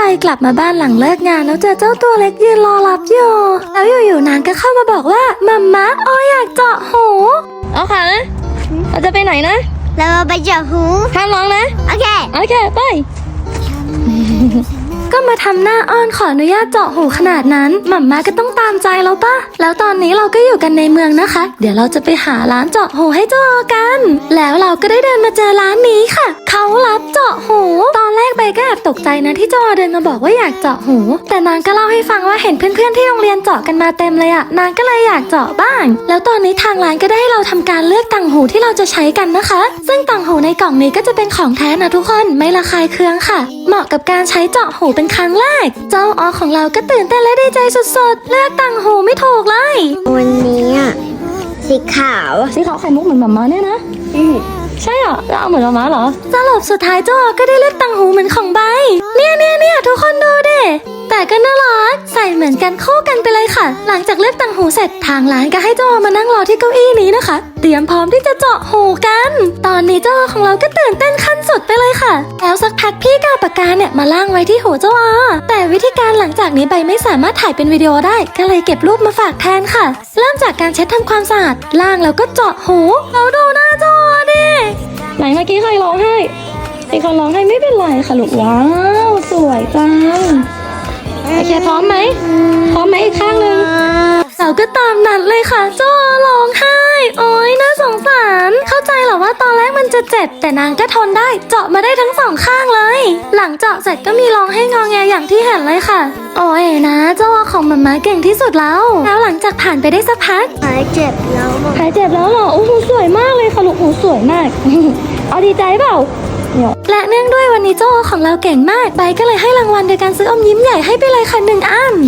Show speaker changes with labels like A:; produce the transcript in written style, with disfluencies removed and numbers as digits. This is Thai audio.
A: กลับมาบ้านหลังเลิกงานแล้วเจอเจ้าตัวเล็กยืนรอรับอยู่แล้วอยู่ๆนางก็เข้ามาบอกว่ามัมมะอ้ออยากเจาะหูเอาค่ะเราจะไปไหนนะ
B: เราไปเจาะหู
A: ห้ามร้องนะ
B: โอเค
A: ไป ก็มาทำหน้าอ้อนขออนุญาตเจาะหูขนาดนั้นมัมมาก็ต้องตามใจแล้วป่ะแล้วตอนนี้เราก็อยู่กันในเมืองนะคะเดี๋ยวเราจะไปหาร้านเจาะหูให้เจ้าออกันแล้วเราก็ได้เดินมาเจอร้านนี้ค่ะเขารับเจาะหูตอนแรกใบก็แอบตกใจนะที่เจ้าออเดินมาบอกว่าอยากเจาะหูแต่นางก็เล่าให้ฟังว่าเห็นเพื่อนๆที่โรงเรียนเจาะกันมาเต็มเลยอะนางก็เลยอยากเจาะบ้างแล้วตอนนี้ทางร้านก็ได้ให้เราทำการเลือกต่างหูที่เราจะใช้กันนะคะซึ่งต่างหูในกล่องนี้ก็จะเป็นของแท้นะทุกคนไม่ระคายเคืองค่ะเหมาะกับการใช้เจาะหูเป็นครั้งแรกเจ้าออของเราก็ตื่นเต้นและดีใจสุดๆเลือกต่างหูไม่ถูกเลย
B: วันนี้สีขาว
A: ไข่มุกเหมือนหมาม้าเนี่ยนะใช่เหรอแล้วเอาเหมือนหมาม้าเหรอสรุปสุดท้ายเจ้าออก็ได้เลือกต่างหูเหมือนของใบเนี่ยทุกคนดูดิแต่ก็น่ารักใส่เหมือนกันคู่กันไปเลยค่ะหลังจากเลือกต่างหูเสร็จทางร้านก็ให้เจ้าออมานั่งรอที่เก้าอี้นี้นะคะเตรียมพร้อมที่จะเจาะหูกันตอนนี้เจ้าออของเราก็ตื่นเต้นขั้นสุดไปเลยค่ะแล้วสักพักพี่ก็เอาปากกาเนี่ยมาล่างไว้ที่หูเจ้าออแต่วิธีการหลังจากนี้ใบไม่สามารถถ่ายเป็นวิดีโอได้ก็เลยเก็บรูปมาฝากแทนค่ะเริ่มจากการเช็ดทำความสะอาดล่างแล้วก็เจาะหูแล้วดูหน้าเจ้าออดิไหนเมื่อกี้ใครร้องไห้มีคนร้องไห้ไม่เป็นไรค่ะลูกว้าวสวยจังโอเคพร้อมไหมอีกข้างหนึ่งเราก็ตามนั้นเลยค่ะเจ้าร้องไห้โอ๊ยน่าสงสารเข้าใจเหรอว่าตอนแรกมันจะเจ็บแต่นางก็ทนได้เจาะมาได้ทั้งสองข้างเลยหลังเจาะเสร็จก็มีร้องให้งอแงอย่างที่เห็นเลยค่ะโอ๊ยนะเจ้าของมัมม่าเก่งที่สุดแล้วหลังจากผ่านไปได้สักพัก
B: หายเจ็บแล้ว
A: เหรอโอ้โหสวยมากเลยค่ะลูกหูสวยมาก เอาดีใจเปล่าและเนื่องด้วยวันนี้เจ้าของเราเก่งมากใบก็เลยให้รางวัลโดยการซื้ออมยิ้มใหญ่ให้ไปเลยค่ะ1 อัน